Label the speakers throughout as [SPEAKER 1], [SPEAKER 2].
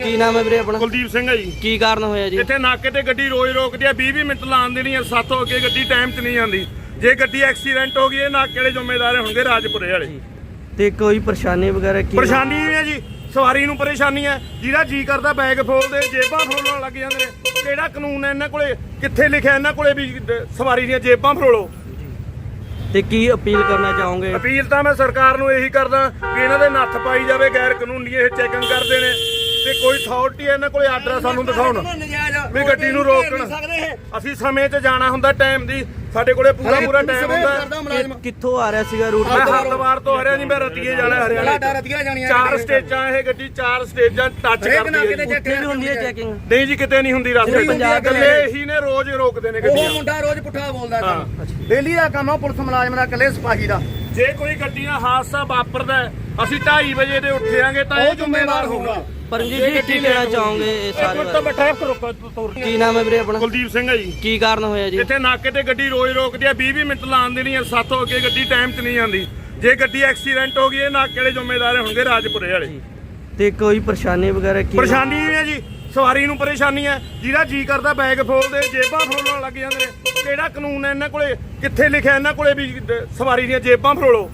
[SPEAKER 1] ਕੀ ਨਾਮ ਹੈ ਵੀਰੇ ਆਪਣਾ?
[SPEAKER 2] ਕੁਲਦੀਪ ਸਿੰਘ ਹੈ ਜੀ।
[SPEAKER 1] ਕੀ ਕਾਰਨ ਹੋਇਆ ਜੀ?
[SPEAKER 2] ਇੱਥੇ ਨਾਕੇ ਤੇ ਗੱਡੀ ਰੋਜ਼ ਰੋਕਦੀ ਆ, 20 ਮਿੰਟ ਲਾਉਣ ਦੀ ਨਹੀਂ ਆ, 7 ਹੋ ਕੇ ਗੱਡੀ ਟਾਈਮ 'ਚ ਨਹੀਂ ਆਉਂਦੀ। ਜੇ ਗੱਡੀ ਐਕਸੀਡੈਂਟ ਹੋ ਗਈ ਇਹ ਨਾਕੇ ਵਾਲੇ ਜ਼ਿੰਮੇਦਾਰ ਹੋਣਗੇ, ਰਾਜਪੁਰੇ ਵਾਲੇ।
[SPEAKER 1] ਤੇ ਕੋਈ ਪਰੇਸ਼ਾਨੀ ਵਗੈਰਾ ਕੀ?
[SPEAKER 2] ਪਰੇਸ਼ਾਨੀ ਇਹ ਹੈ ਜੀ, ਸਵਾਰੀ ਨੂੰ ਪਰੇਸ਼ਾਨੀ ਹੈ। ਜਿਹਦਾ ਜੀ ਕਰਦਾ ਬੈਗ ਫੋਲਦੇ, ਜੇਬਾਂ ਫਰੋਲਣ ਲੱਗ ਜਾਂਦੇ ਨੇ। ਕਿਹੜਾ ਕਾਨੂੰਨ ਹੈ ਇਹਨਾਂ ਕੋਲੇ? ਕਿੱਥੇ ਲਿਖਿਆ ਇਹਨਾਂ ਕੋਲੇ ਵੀ ਸਵਾਰੀ ਦੀਆਂ ਜੇਬਾਂ ਫਰੋਲੋ?
[SPEAKER 1] ਤੇ ਕੀ ਅਪੀਲ ਕਰਨਾ ਚਾਹੋਗੇ?
[SPEAKER 2] ਅਪੀਲ ਤਾਂ ਮੈਂ ਸਰਕਾਰ ਨੂੰ ਇਹੀ ਕਰਦਾ ਕਿ ਇਹਨਾਂ ਦੇ ਨੱਥ ਪਾਈ ਜਾਵੇ। ਗੈਰ ਕਾਨੂੰਨੀ ਇਹ ਚੈਕਿੰਗ ਕਰਦੇ ਨੇ ਤੇ ਕੋਈ ਅਥਾਰਟੀ ਇਹਨਾਂ ਕੋਲੇ ਆਰਡਰ ਸਾਨੂੰ ਦਿਖਾਉਣ ਵੀ ਗੱਡੀ ਨੂੰ ਰੋਕਣ। ਅਸੀਂ ਸਮੇਂ 'ਚ ਜਾਣਾ ਹੁੰਦਾ, ਟਾਈਮ ਦੀ ਸਾਡੇ ਕੋਲੇ ਪੂਰਾ ਟਾਈਮ ਹੁੰਦਾ।
[SPEAKER 1] ਕਿੱਥੋਂ ਆ ਰਿਹਾ ਸੀਗਾ ਰੂਟ?
[SPEAKER 2] ਮੈਂ ਹਰਦਵਾਰ ਤੋਂ ਆ ਰਿਹਾ ਜੀ, ਮੈਂ ਰਤੀਏ ਜਾਣਾ ਹਰਿਆਣੇ। 4 ਸਟੇਜਾਂ ਇਹ ਗੱਡੀ 4 ਸਟੇਜਾਂ ਟੱਚ ਕਰਦੀ ਹੈ।
[SPEAKER 1] ਉੱਥੇ ਵੀ ਹੁੰਦੀ ਹੈ ਚੈਕਿੰਗ?
[SPEAKER 2] ਨਹੀਂ ਜੀ, ਕਿਤੇ ਨਹੀਂ ਹੁੰਦੀ। ਰਸਤੇ ਇਹੀ ਨੇ ਰੋਜ਼ ਰੋਕਦੇ ਨੇ ਗੱਡੀਆਂ।
[SPEAKER 3] ਉਹ ਮੁੰਡਾ ਰੋਜ਼ ਪੁੱਠਾ ਬੋਲਦਾ। ਡੇਲੀ ਦਾ ਕੰਮ ਆ ਪੁਲਿਸ ਮੁਲਾਜ਼ਮ ਦਾ, ਇਕੱਲੇ ਸਿਪਾਹੀ ਦਾ।
[SPEAKER 2] ਜੇ ਕੋਈ ਗੱਡੀ ਨਾਲ ਹਾਦਸਾ ਵਾਪਰਦਾ, ਅਸੀਂ 2:30 ਵਜੇ ਦੇ ਉੱਠਿਆਂਗੇ ਤਾਂ ਇਹ ਜ਼ਿੰਮੇਵਾਰ ਹੋਊਗਾ।
[SPEAKER 1] ਪਰਮਜੀਤ ਜੀ ਕੀ ਕਹਿਣਾ ਚਾਹੋਗੇ ਇਹ ਸਾਰੇ ਬਾਰੇ? ਕੀ ਨਾਮ ਹੈ ਵੀਰੇ ਆਪਣਾ?
[SPEAKER 2] ਕੁਲਦੀਪ ਸਿੰਘ ਹੈ ਜੀ।
[SPEAKER 1] ਕੀ ਕਾਰਨ ਹੋਇਆ ਜੀ?
[SPEAKER 2] ਇੱਥੇ ਨਾਕੇ ਤੇ ਗੱਡੀ ਰੋਜ਼ ਰੋਕਦੀ ਆ, 20 ਮਿੰਟ ਲਾਉਣ ਦੀ ਨਹੀਂ ਆ, 7 ਹੋ ਕੇ ਗੱਡੀ ਟਾਈਮ 'ਚ ਨਹੀਂ ਆਉਂਦੀ। ਜੇ ਗੱਡੀ ਐਕਸੀਡੈਂਟ ਹੋ ਗਈ ਇਹ ਨਾਕੇ ਵਾਲੇ ਜ਼ਿੰਮੇਦਾਰ ਹੋਣਗੇ, ਰਾਜਪੁਰੇ ਵਾਲੇ।
[SPEAKER 1] ਤੇ ਕੋਈ ਪਰੇਸ਼ਾਨੀ ਵਗੈਰਾ ਕੀ?
[SPEAKER 2] ਪਰੇਸ਼ਾਨੀ ਇਹ ਹੈ ਜੀ, ਸਵਾਰੀ ਨੂੰ ਪਰੇਸ਼ਾਨੀ ਹੈ। ਜਿਹਦਾ ਜੀ ਕਰਦਾ ਬੈਗ ਫੋਲਦੇ, ਜੇਬਾਂ ਫਰੋਲਣ ਲੱਗ ਜਾਂਦੇ ਨੇ। ਕਿਹੜਾ ਕਾਨੂੰਨ ਹੈ ਇਹਨਾਂ ਕੋਲੇ? ਕਿੱਥੇ ਲਿਖਿਆ ਇਹਨਾਂ ਕੋਲੇ ਵੀ ਸਵਾਰੀ ਦੀਆਂ ਜੇਬਾਂ ਫਰੋਲੋ?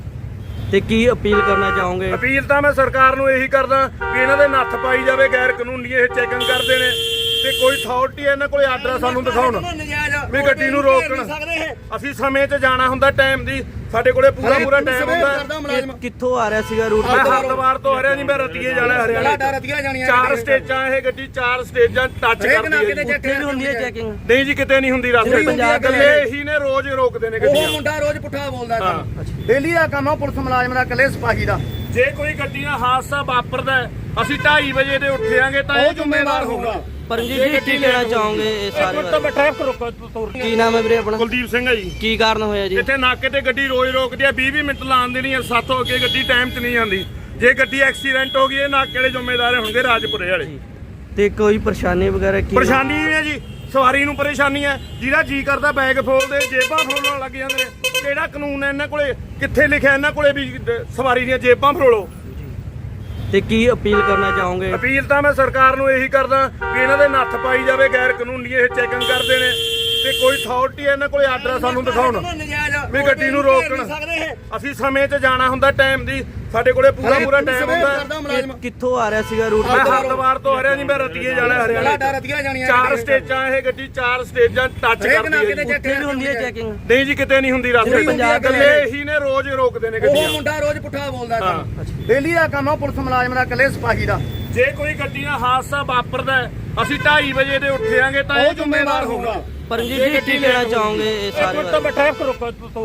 [SPEAKER 1] ਤੇ ਕੀ ਅਪੀਲ ਕਰਨਾ ਚਾਹੋਗੇ?
[SPEAKER 2] ਅਪੀਲ ਤਾਂ ਮੈਂ ਸਰਕਾਰ ਨੂੰ ਇਹੀ ਕਰਦਾ ਕਿ ਇਹਨਾਂ ਦੇ ਨੱਥ ਪਾਈ ਜਾਵੇ। ਗੈਰ ਕਾਨੂੰਨੀ ਇਹ ਚੈਕਿੰਗ ਕਰਦੇ ਨੇ ਤੇ ਕੋਈ ਅਥਾਰਟੀ ਇਹਨਾਂ ਕੋਲੇ ਆਰਡਰ ਸਾਨੂੰ ਦਿਖਾਉਣ ਵੀ ਗੱਡੀ ਨੂੰ ਰੋਕਣ। ਅਸੀਂ ਸਮੇਂ 'ਚ ਜਾਣਾ ਹੁੰਦਾ, ਟਾਈਮ ਦੀ ਸਾਡੇ ਕੋਲੇ ਪੂਰਾ ਟਾਈਮ ਹੁੰਦਾ।
[SPEAKER 1] ਕਿੱਥੋਂ ਆ ਰਿਹਾ ਸੀਗਾ ਰੂਟ?
[SPEAKER 2] ਮੈਂ ਹਰਦਵਾਰ ਤੋਂ ਆ ਰਿਹਾ ਜੀ, ਮੈਂ ਰਤੀਏ ਜਾਣਾ ਹਰਿਆਣੇ। 4 ਸਟੇਜਾਂ ਇਹ ਗੱਡੀ 4 ਸਟੇਜਾਂ ਟੱਚ ਕਰਦੀ ਹੈ।
[SPEAKER 1] ਉੱਥੇ ਵੀ ਹੁੰਦੀ ਹੈ ਚੈਕਿੰਗ?
[SPEAKER 2] ਨਹੀਂ ਜੀ, ਕਿਤੇ ਨਹੀਂ ਹੁੰਦੀ। ਰਸਤੇ ਇਹੀ ਨੇ ਰੋਜ਼ ਰੋਕਦੇ ਨੇ
[SPEAKER 3] ਉਹ
[SPEAKER 2] ਗੱਡੀਆਂ।
[SPEAKER 3] ਮੁੰਡਾ ਰੋਜ਼ ਪੁੱਠਾ ਬੋਲਦਾ। ਡੇਲੀ ਦਾ ਕੰਮ ਆ ਪੁਲਿਸ ਮੁਲਾਜ਼ਮ ਦਾ, ਇਕੱਲੇ ਸਿਪਾਹੀ ਦਾ।
[SPEAKER 2] ਜੇ ਕੋਈ ਗੱਡੀ ਨਾਲ ਹਾਦਸਾ ਵਾਪਰਦਾ, ਅਸੀਂ 2:30 ਵਜੇ ਦੇ ਉੱਠਿਆਂਗੇ ਤਾਂ ਇਹ ਜ਼ਿੰਮੇਵਾਰ ਹੋਊਗਾ।
[SPEAKER 1] ਪਰਮਜੀਤ ਜੀ ਕੀ ਕਹਿਣਾ ਚਾਹੋਗੇ ਇਹ ਸਾਰੇ ਬਾਰੇ? ਕੀ ਨਾਮ ਹੈ ਵੀਰੇ ਆਪਣਾ?
[SPEAKER 2] ਕੁਲਦੀਪ ਸਿੰਘ ਹੈ ਜੀ।
[SPEAKER 1] ਕੀ ਕਾਰਨ ਹੋਇਆ ਜੀ?
[SPEAKER 2] ਇੱਥੇ ਨਾਕੇ ਤੇ ਗੱਡੀ ਰੋਜ਼ ਰੋਕਦੀ ਆ, 20 ਮਿੰਟ ਲਾਉਣ ਦੀ ਨਹੀਂ ਆ, 7 ਹੋ ਕੇ ਗੱਡੀ ਟਾਈਮ 'ਚ ਨਹੀਂ ਆਉਂਦੀ। ਜੇ ਗੱਡੀ ਐਕਸੀਡੈਂਟ ਹੋ ਗਈ ਇਹ ਨਾਕੇ ਵਾਲੇ ਜ਼ਿੰਮੇਦਾਰ ਹੋਣਗੇ, ਰਾਜਪੁਰੇ ਵਾਲੇ।
[SPEAKER 1] ਤੇ ਕੋਈ ਪਰੇਸ਼ਾਨੀ ਵਗੈਰਾ ਕੀ?
[SPEAKER 2] ਪਰੇਸ਼ਾਨੀ ਇਹ ਹੈ ਜੀ, ਸਵਾਰੀ ਨੂੰ ਪਰੇਸ਼ਾਨੀ ਹੈ। ਜਿਹਦਾ ਜੀ ਕਰਦਾ ਬੈਗ ਫੋਲਦੇ, ਜੇਬਾਂ ਫਰੋਲਣ ਲੱਗ ਜਾਂਦੇ ਨੇ। ਕਿਹੜਾ ਕਾਨੂੰਨ ਹੈ ਇਹਨਾਂ ਕੋਲੇ? ਕਿੱਥੇ ਲਿਖਿਆ ਇਹਨਾਂ ਕੋਲੇ ਵੀ ਸਵਾਰੀ ਦੀਆਂ ਜੇਬਾਂ ਫਰੋਲੋ?
[SPEAKER 1] ਤੇ ਕੀ ਅਪੀਲ ਕਰਨਾ ਚਾਹੋਗੇ?
[SPEAKER 2] ਅਪੀਲ ਤਾਂ ਮੈਂ ਸਰਕਾਰ ਨੂੰ ਇਹੀ ਕਰਦਾ ਕਿ ਇਹਨਾਂ ਦੇ ਨੱਥ ਪਾਈ ਜਾਵੇ। ਗੈਰ ਕਾਨੂੰਨੀ ਇਹ ਚੈਕਿੰਗ ਕਰਦੇ ਨੇ ਤੇ ਕੋਈ ਅਥਾਰਟੀ ਇਹਨਾਂ ਕੋਲੇ ਆਰਡਰ ਸਾਨੂੰ ਦਿਖਾਉਣ ਵੀ ਗੱਡੀ ਨੂੰ ਰੋਕਣ। ਅਸੀਂ ਸਮੇਂ 'ਚ ਜਾਣਾ ਹੁੰਦਾ, ਟਾਈਮ ਦੀ ਸਾਡੇ ਕੋਲੇ ਪੂਰਾ ਟਾਈਮ ਹੁੰਦਾ।
[SPEAKER 1] ਕਿੱਥੋਂ ਆ ਰਿਹਾ ਸੀਗਾ ਰੂਟ?
[SPEAKER 2] ਮੈਂ ਹਰਦਵਾਰ ਤੋਂ ਆ ਰਿਹਾ ਜੀ, ਮੈਂ ਰਤੀਏ ਜਾਣਾ ਹਰਿਆਣੇ। 4 ਸਟੇਜਾਂ ਇਹ ਗੱਡੀ 4 ਸਟੇਜਾਂ ਟੱਚ ਕਰਦੀ ਹੈ।
[SPEAKER 1] ਉੱਥੇ ਵੀ ਹੁੰਦੀ ਹੈ ਚੈਕਿੰਗ?
[SPEAKER 2] ਨਹੀਂ ਜੀ, ਕਿਤੇ ਨਹੀਂ ਹੁੰਦੀ। ਰਸਤੇ ਇਹੀ ਨੇ ਰੋਜ਼ ਰੋਕਦੇ ਨੇ
[SPEAKER 3] ਉਹ
[SPEAKER 2] ਗੱਡੀਆਂ।
[SPEAKER 3] ਮੁੰਡਾ ਰੋਜ਼ ਪੁੱਠਾ ਬੋਲਦਾ। ਡੇਲੀ ਦਾ ਕੰਮ ਆ ਪੁਲਿਸ ਮੁਲਾਜ਼ਮ ਦਾ, ਇਕੱਲੇ ਸਿਪਾਹੀ ਦਾ।
[SPEAKER 2] ਜੇ ਕੋਈ ਗੱਡੀ ਨਾਲ ਹਾਦਸਾ ਵਾਪਰਦਾ, ਅਸੀਂ 2:30 ਵਜੇ ਦੇ ਉੱਠਿਆਂਗੇ ਤਾਂ ਇਹ ਜ਼ਿੰਮੇਵਾਰ ਹੋਊਗਾ।
[SPEAKER 1] ਪਰਮਜੀਤ ਜੀ ਕੀ ਕਹਿਣਾ ਚਾਹੋਗੇ ਇਹ ਸਾਰੇ ਬਾਰੇ?